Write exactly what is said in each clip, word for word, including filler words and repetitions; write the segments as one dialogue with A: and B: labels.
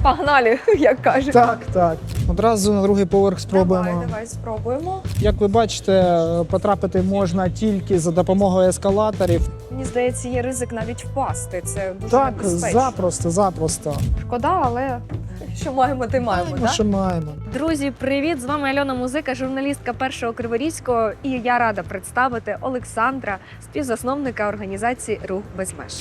A: Погнали, як кажуть.
B: Так, так. Одразу на другий поверх спробуємо.
A: Давай, давай спробуємо.
B: Як ви бачите, потрапити можна тільки за допомогою ескалаторів.
A: Мені здається, є ризик навіть впасти. Це дуже
B: Так,
A: небезпечно.
B: запросто, запросто.
A: Шкода, але що маємо, те маємо,
B: Маємо,
A: так?
B: що маємо.
A: Друзі, привіт! З вами Альона Музика, журналістка Першого Криворізького. І я рада представити Олександра, співзасновника організації «Рух без меж».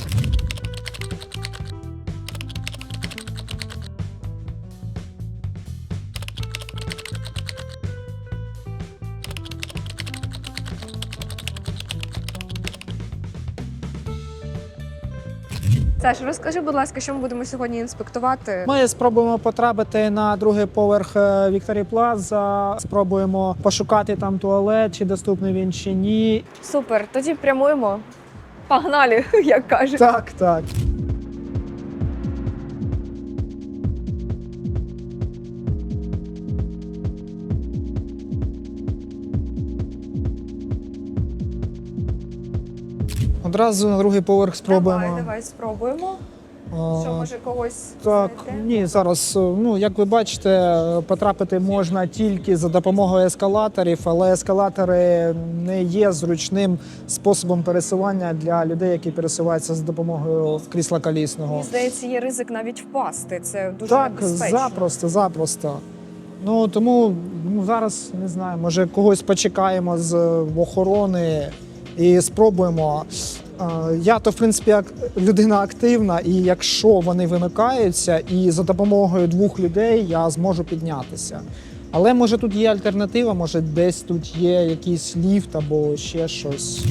A: Саш, розкажи, будь ласка, що ми будемо сьогодні інспектувати?
B: Ми спробуємо потрапити на другий поверх Вікторії Плаза, спробуємо пошукати там туалет, чи доступний він, чи ні.
A: Супер, тоді прямуємо. Погнали, як кажуть.
B: Так, так. Одразу на другий поверх спробуємо.
A: Давай, давай спробуємо.
B: А,
A: Що, може, когось
B: Так,
A: знайти?
B: ні, зараз, ну, як ви бачите, потрапити можна тільки за допомогою ескалаторів, але ескалатори не є зручним способом пересування для людей, які пересуваються за допомогою крісла колісного.
A: Мені здається, є ризик навіть впасти. Це дуже
B: Так,
A: небезпечно.
B: запросто, запросто. Ну, тому ну, зараз, не знаю, може когось почекаємо з охорони і спробуємо. Е, Я то, в принципі, як людина активна, і якщо вони вимикаються, і за допомогою двох людей я зможу піднятися. Але може тут є альтернатива, може десь тут є якийсь ліфт або ще щось.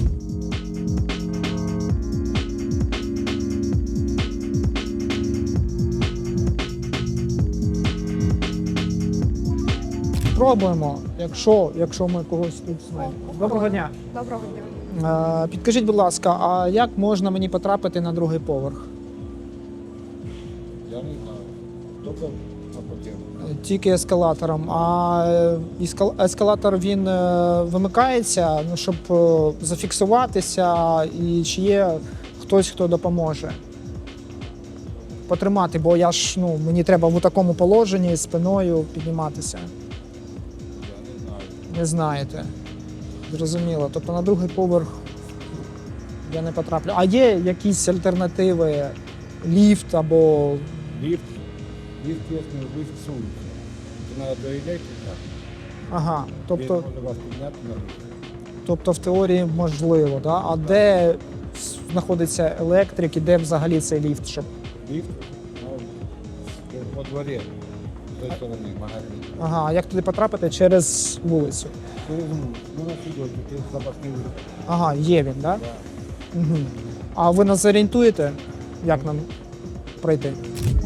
B: Спробуємо, якщо, якщо ми когось тут знайдемо. Доброго дня.
A: Доброго дня.
B: Е, Підкажіть, будь ласка, а як можна мені потрапити на другий поверх?
C: Я не знаю. Только на потім.
B: Е, Тільки ескалатором. А е, ескал- ескалатор він е, вимикається, ну, щоб е, зафіксуватися, і чи є хтось, хто допоможе потримати, бо я ж, ну, мені треба в такому положенні спиною підніматися.
C: Я не знаю.
B: Не знаєте. Зрозуміло. Тобто на другий поверх я не потраплю. А є якісь альтернативи? Ліфт або.
C: Лифт. Лифт есть, но лифт с улицы. Это надо до электрика.
B: Ага. Тобто,
C: Тобто... Можно вас подняться на лифт.
B: тобто в теорії можливо, да? А де знаходиться електрик і де взагалі цей ліфт? Щоб...
C: Лифт ну, во дворе. С той стороны магазин.
B: Ага, а як туди потрапити? Через вулицю.
C: Через мур. Ну, на сюда, тут запасний лифт.
B: Ага, є він, да?
C: Да.
B: Угу. А ви нас зорієнтуєте, як нам пройти?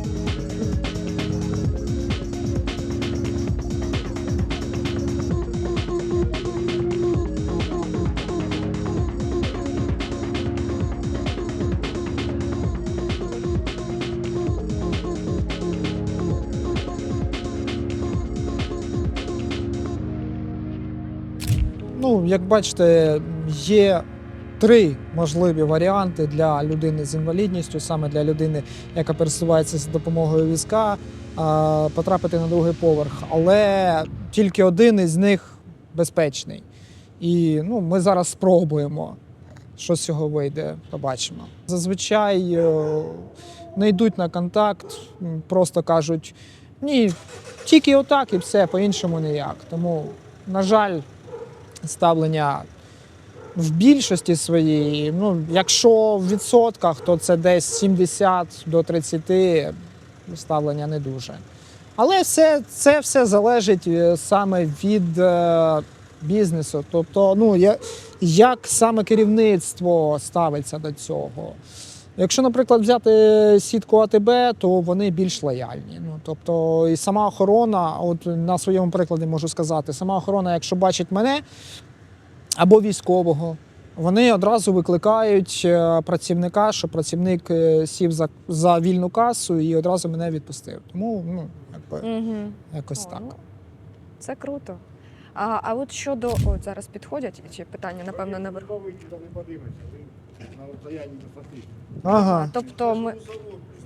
B: Ну, як бачите, є три можливі варіанти для людини з інвалідністю, саме для людини, яка пересувається за допомогою візка, а, потрапити на другий поверх. Але тільки один із них безпечний. І ну, ми зараз спробуємо, що з цього вийде, побачимо. Зазвичай е, не йдуть на контакт, м, просто кажуть, ні, тільки отак і все, по-іншому ніяк. Тому, на жаль, ставлення в більшості своїй, ну, якщо в відсотках, то це десь сімдесят до тридцяти ставлення не дуже. Але все, це все залежить е, саме від е, бізнесу. Тобто, ну, я, як саме керівництво ставиться до цього. Якщо, наприклад, взяти сітку АТБ, то вони більш лояльні. Ну, тобто, і сама охорона, от на своєму прикладі можу сказати, сама охорона, якщо бачить мене або військового, вони одразу викликають е, працівника, щоб працівник е, сів за, за вільну касу і одразу мене відпустив. Тому, ну, якби,
A: Угу.
B: якось
A: О,
B: так.
A: ну, це круто. А, а от щодо, от зараз підходять, чи питання, напевно, наверху.
C: Ви подивитися, ви на розстоянні висоти.
B: Ага.
A: Тобто ми,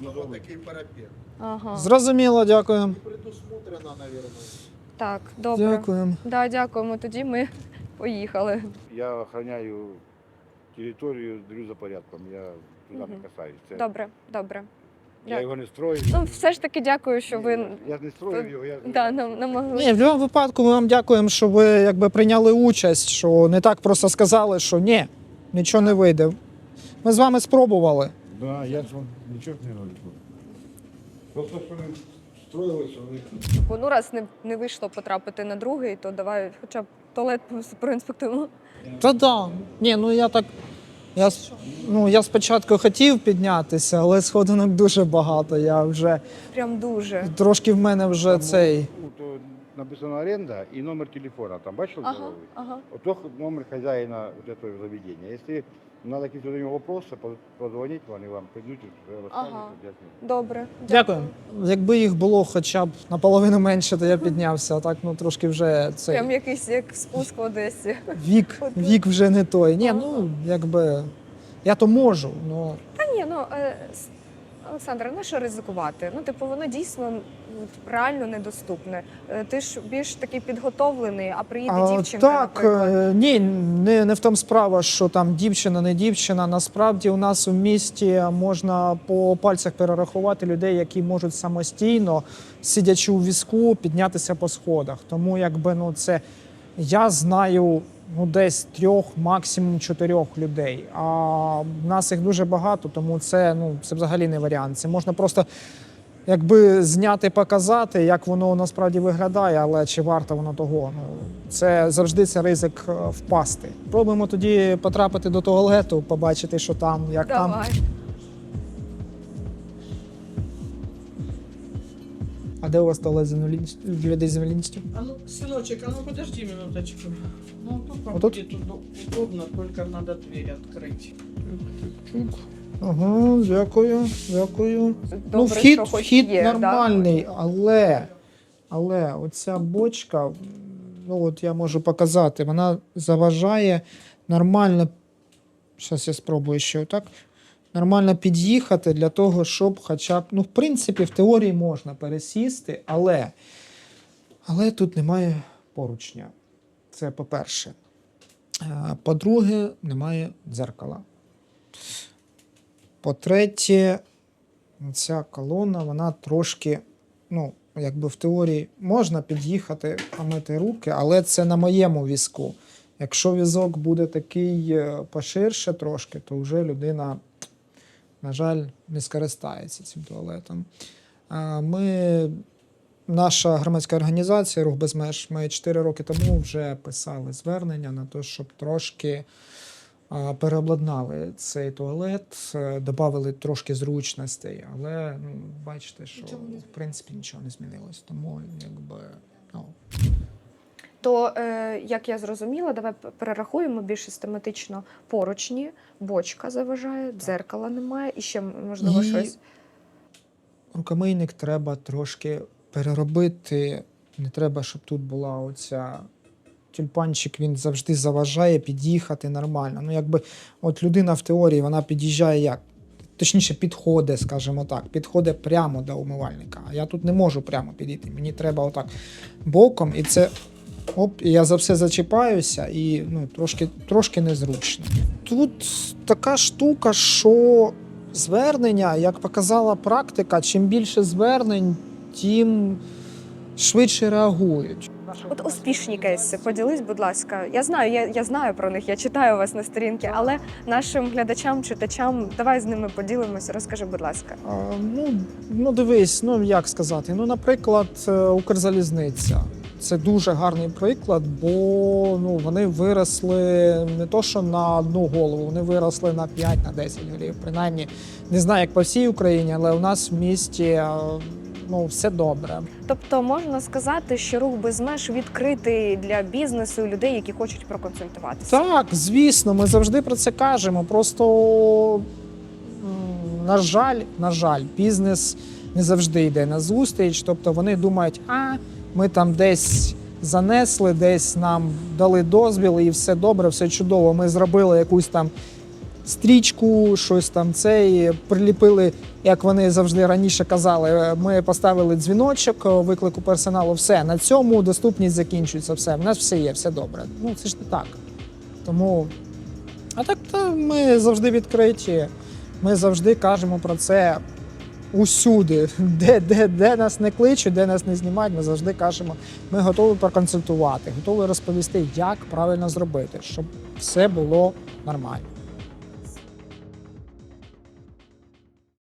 C: Снова такий парапет.
A: Ага.
B: Зрозуміло, дякую.
C: Предусмотрено, наверное.
A: Так, добре.
B: Дякую.
A: Да, дякуємо. Тоді ми поїхали.
C: Я охраняю територію, дивлюсь за порядком. Я туди
A: Мгм.
C: не касаюсь. Це-
A: Добре, добре.
C: Я його не строю.
A: Ну, все ж таки дякую, що ви
C: Я ж не строю його. Я...
A: да, нам, намогли.
B: Ні, в будь-якому випадку ми вам дякуємо, що ви якби прийняли участь, що не так просто сказали, що ні, нічого не вийде. Ми з вами спробували.
C: Да, я ж вам нічого не роблю. Просто що вони строїли, що вони...
A: Бо, ну, раз не, не вийшло потрапити на другий, то давай хоча б туалет проінспектуємо.
B: Та да. Ні, ну я так. Я, с- ну, я спочатку хотів піднятися, але сходинок дуже багато. Я вже
A: Прям дуже.
B: трошки в мене вже цей.
C: Ну, то написано оренда і номер телефона. Там бачили?
A: Ага,
C: здоровий?
A: ага.
C: Ото номер хозяина вот этого заведения. Если надо какие-то у него вопросы, по- позвонить, они вам придут и расскажут,
A: Ага.
C: объяснят.
A: Добре.
B: Дякую. Якби їх було хоча б наполовину менше, то я піднявся. А так, ну трошки вже цей
A: Прям якийсь як спуск в Одесі.
B: вік, вік вже не той. Ні, ну якби я то можу, ну
A: Та ні, ну е, с- Олександр, на що ризикувати? Ну, типу, воно дійсно м, реально недоступне. Е, Ти ж більш такий підготовлений, а приїде
B: А,
A: дівчинка,
B: так,
A: наприклад.
B: е, ні, не, не в тому справа, що там дівчина, не дівчина. Насправді у нас у місті можна по пальцях перерахувати людей, які можуть самостійно, сидячи у візку, піднятися по сходах. Тому якби ну це я знаю ну десь трьох, максимум чотирьох людей. А в нас їх дуже багато, тому це ну це взагалі не варіант. Це можна просто. Якби зняти, показати, як воно насправді виглядає, але чи варто воно того. Ну, це завжди це ризик е, впасти. Пробуємо тоді потрапити до туалету, побачити, що там, як там.
A: Давай.
B: А де у вас туалет з інвалідністю? для людей з інвалідністю?
D: А ну, сыночек, а ну подожди минуточку. Ну, тут вам
B: Вот тут?
D: будет удо- удобно, только надо дверь открыть.
B: Ага, дякую, дякую.
A: Добре,
B: ну, вхід,
A: що хоч
B: вхід
A: є,
B: нормальний, але, але оця бочка, ну от я можу показати, вона заважає нормально. Зараз я спробую ще отак. Нормально під'їхати для того, щоб хоча б, ну, в принципі, в теорії можна пересісти, але, але тут немає поручня. Це по-перше. Е, По-друге, немає дзеркала. По-третє, ця колона, вона трошки, ну, якби в теорії можна під'їхати, помити руки, але це на моєму візку. Якщо візок буде такий е, поширше трошки, то вже людина, на жаль, не скористається цим туалетом. А Ми, наша громадська організація «Рух без меж», ми чотири роки тому вже писали звернення на те, щоб трошки а, переобладнали цей туалет, е, додали трошки зручностей, але ну, бачите, що в принципі нічого не змінилось. Тому якби ну,
A: То, е, як я зрозуміла, давай п- перерахуємо більш систематично поручні, бочка заважає, дзеркала немає і ще, можливо,
B: І-
A: щось.
B: рукомийник треба трошки переробити. Не треба, щоб тут була оця тюльпанчик, він завжди заважає під'їхати нормально. Ну, якби от людина в теорії вона під'їжджає як? Точніше, підходить, скажімо так, підходить прямо до умивальника. А я тут не можу прямо підійти. Мені треба отак боком, і це. Оп, і я за все зачіпаюся, і ну, трошки, трошки незручно. Тут така штука, що звернення, як показала практика, чим більше звернень, тим швидше реагують.
A: От успішні кейси, поділись, будь ласка. Я знаю, я, я знаю про них, я читаю у вас на сторінці, але нашим глядачам, читачам, давай з ними поділимося. Розкажи, будь ласка.
B: А, ну, ну, дивись, ну як сказати. Ну, наприклад, е, Укрзалізниця. Це дуже гарний приклад, бо ну, вони виросли не то, що на одну голову, вони виросли на п'ять на десять голів. Принаймні, не знаю, як по всій Україні, але у нас в місті е, ну, все добре.
A: Тобто можна сказати, що рух без меж відкритий для бізнесу і людей, які хочуть проконсультуватися.
B: Так, звісно, ми завжди про це кажемо. Просто, м, на жаль, на жаль, бізнес не завжди йде на зустріч. Тобто вони думають, а ми там десь занесли, десь нам дали дозвіл, і все добре, все чудово. Ми зробили якусь там стрічку, щось там цей, приліпили, як вони завжди раніше казали, ми поставили дзвіночок виклику персоналу, все, на цьому доступність закінчується, все, в нас все є, все добре. Ну, це ж не так. Тому, а так то ми завжди відкриті, ми завжди кажемо про це усюди, де, де, де нас не кличуть, де нас не знімають, ми завжди кажемо, ми готові проконсультувати, готові розповісти, як правильно зробити, щоб все було нормально.